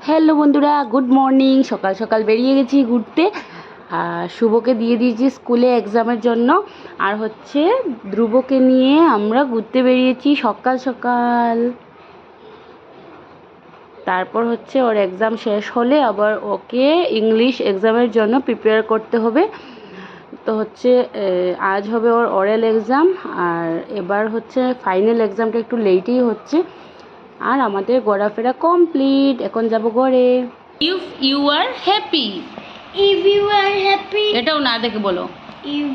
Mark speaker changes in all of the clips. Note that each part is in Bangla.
Speaker 1: হ্যালো বন্ধুরা, গুড মর্নিং। সকাল সকাল বেরিয়ে গেছি ঘুরতে। শুভকে দিয়ে দিয়েছি স্কুলে এক্সামের জন্য, আর হচ্ছে ধ্রুবকে নিয়ে আমরা ঘুরতে বেরিয়েছি সকাল সকাল। তারপর হচ্ছে ওর এক্সাম শেষ হলে আবার ওকে ইংলিশ এক্সামের জন্য প্রিপেয়ার করতে হবে। তো হচ্ছে আজ হবে ওর ওরাল এক্সাম, আর এবার হচ্ছে ফাইনাল এক্সামটা একটু লেটেই হচ্ছে। আর আমাদের ঘোরাফেরা কমপ্লিট, এখন যাব ঘরে। If you are happy,
Speaker 2: If you are happy,
Speaker 1: এটাও না দেখে বলো।
Speaker 2: if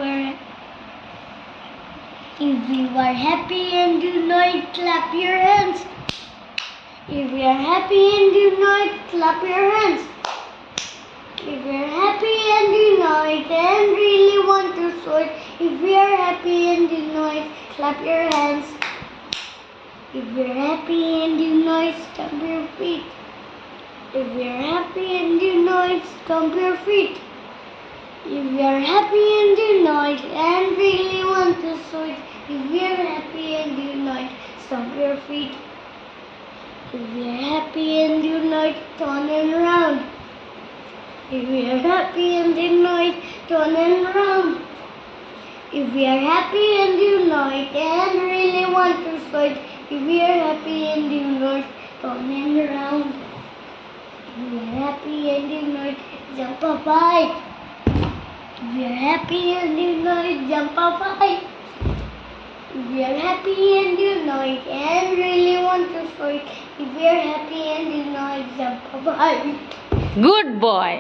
Speaker 2: you are happy and you know it, clap your hands. If you are happy and you know it, clap your hands. If you are happy and you know it and really want to show it, if you are happy and you know it, clap your hands. If you are happy and you know it, stamp your feet. If you are happy and you know it, stomp your feet. If you are happy and you know it and really want to show it, if you are happy and you know it, stomp your feet. If you are happy and you know it, turn and round. If you are happy and you know it, turn and round. If you are happy and you know it and really want to show it, if you are happy and you know it, turn and round. If you are happy and you know it, jump up high. If you are happy and you know it, jump up high. If you are happy and you know it and really want to show it, if you are happy and you know it, jump up high.
Speaker 1: Good boy.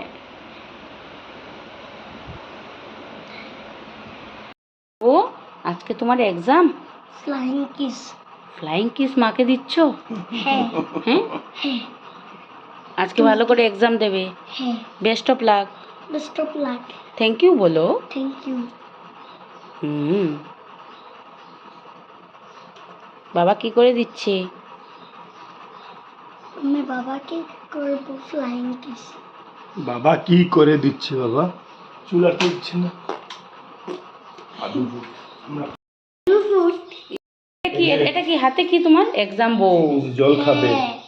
Speaker 1: ও আজকে তোমার exam?
Speaker 2: Flying kiss.
Speaker 1: Flying kiss মাকে দিচ্ছ?
Speaker 2: Hey.
Speaker 1: হ্যাঁ,
Speaker 2: Hey.
Speaker 1: আজকে ভালো করে এক্সাম দেবে।
Speaker 2: Hey.
Speaker 1: Best of luck.
Speaker 2: Best of luck.
Speaker 1: Thank you বলো।
Speaker 2: Thank you.
Speaker 1: বাবা কি করে দিচ্ছে?
Speaker 2: আমি বাবাকে করব ফ্লাইং কিস।
Speaker 3: বাবা কি করে দিচ্ছে? বাবা চুলা দিচ্ছে না।
Speaker 1: এটা কি হাতে কি তোমার? এক্সাম বউ
Speaker 3: জল খাবে।
Speaker 2: হ্যাঁ।